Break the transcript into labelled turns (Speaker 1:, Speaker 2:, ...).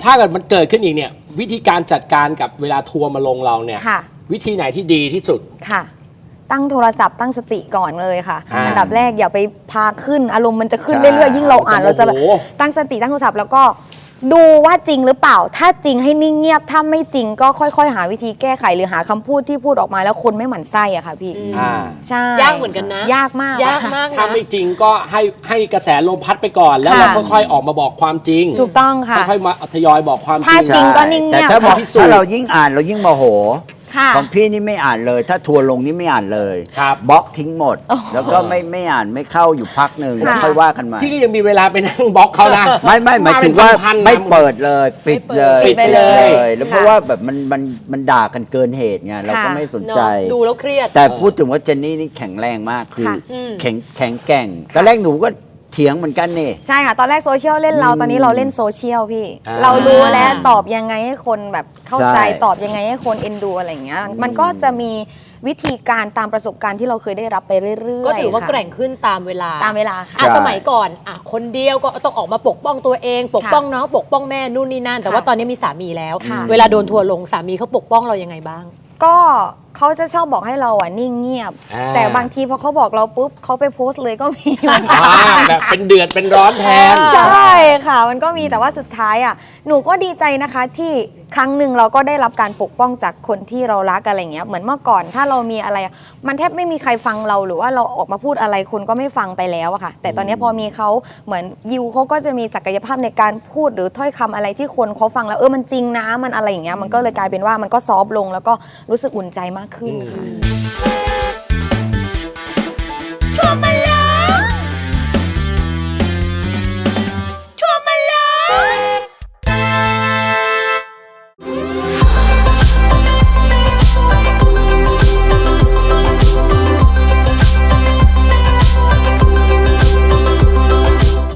Speaker 1: ถ้าเกิดมันเกิดขึ้นอีกเนี่ยวิธีการจัดการกับเวลาทัวร์มาลงเราเนี่ยวิธีไหนที่ดีที่สุด
Speaker 2: ค่ะตั้งโทรศัพท์ตั้งสติก่อนเลยค่ะอันดับแรกอย่าไปพาขึ้นอารมณ์มันจะขึ้นเรื่อยๆยิ่งเราอ่านเราจะแบบตั้งสติตั้งโทรศัพท์แล้วก็ดูว่าจริงหรือเปล่าถ้าจริงให้นิ่งเงียบถ้าไม่จริงก็ค่อยๆหาวิธีแก้ไขหรือหาคำพูดที่พูดออกมาแล้วคนไม่หมั่นไส้อะค่ะพี่ใช่
Speaker 3: ยากเหมือนกันนะ
Speaker 2: ยากมาก
Speaker 1: ถ้าไม่จริงก็ให้กระแสลมพัดไปก่อนแล้วเราค่อยๆออกมาบอกความจริง
Speaker 2: ถูกต้องค่ะ
Speaker 1: ค่อยๆมาทยอยบอกความจริง
Speaker 2: ถ้าจริงก็นิ่งเงียบ
Speaker 4: แต่ถ้าเรายิ่งอ่านเรายิ่งโมโหของพี่นี่ไม่อ่านเลยถ้าทัวร์ลงนี่ไม่อ่านเลยบล็อกทิ้งหมดแล้วก็ไม่อ่านไม่เข้าอยู่พักหนึ่งแล้วค่อยว่ากันใหม่
Speaker 1: พี่ก็ยังมีเวลาไปนั่งบล็อกเขานะ
Speaker 4: ไม่หมายถึงว่าไม่เปิดเลยปิดเลยแล้วเพราะว่าแบบมันด่ากันเกินเหตุไงเราก็ไม่สนใจ
Speaker 3: ดูแล้วเครียด
Speaker 4: แต่พูดถึงว่าเจนนี่นี่แข็งแรงมากคือแข็งแกร่งตอนแรกหนูก็เถียงเหมือนกันนี่
Speaker 2: ใช่ค่ะตอนแรกโซเชียลเล่นเราตอนนี้เราเล่นโซเชียลพี่เรารู้แล้วตอบยังไงให้คนแบบเข้าใจตอบยังไงให้คนเอ็นดูอะไรอย่างเงี้ยมันก็จะมีวิธีการตามประสบการณ์ที่เราเคยได้รับไปเรื่อยๆ
Speaker 3: ก็ถือว่าแกร่งขึ้นตามเวลา
Speaker 2: ค่ะ
Speaker 3: สมัยก่อนคนเดียวก็ต้องออกมาปกป้องตัวเองปกป้องน้องปกป้องแม่นู่นนี่นั่นแต่ว่าตอนนี้มีสามีแล้วเวลาโดนทัวร์ลงสามีเขาปกป้องเรายังไงบ้าง
Speaker 2: ก็เขาจะชอบบอกให้เรานิ่งเงียบแต่บางทีพอเขาบอกเราปุ๊บเขาไปโพสต์เลยก็มี
Speaker 1: แบบเป็นเดือดเป็นร้อนแทน
Speaker 2: ใช่ค่ะมันก็มีแต่ว่าสุดท้ายหนูก็ดีใจนะคะที่ครั้งหนึ่งเราก็ได้รับการปกป้องจากคนที่เรารักอะไรเงี้ยเหมือนเมื่อก่อนถ้าเรามีอะไรมันแทบไม่มีใครฟังเราหรือว่าเราออกมาพูดอะไรคนก็ไม่ฟังไปแล้วอะค่ะแต่ตอนนี้พอมีเขาเหมือนยิวเขาก็จะมีศักยภาพในการพูดหรือถ้อยคำอะไรที่คนเขาฟังแล้วมันจริงนะมันอะไรอย่างเงี้ยมันก็เลยกลายเป็นว่ามันก็ซอฟต์ลงแล้วก็รู้สึกอุ่นใจมากขึ้นค่ะ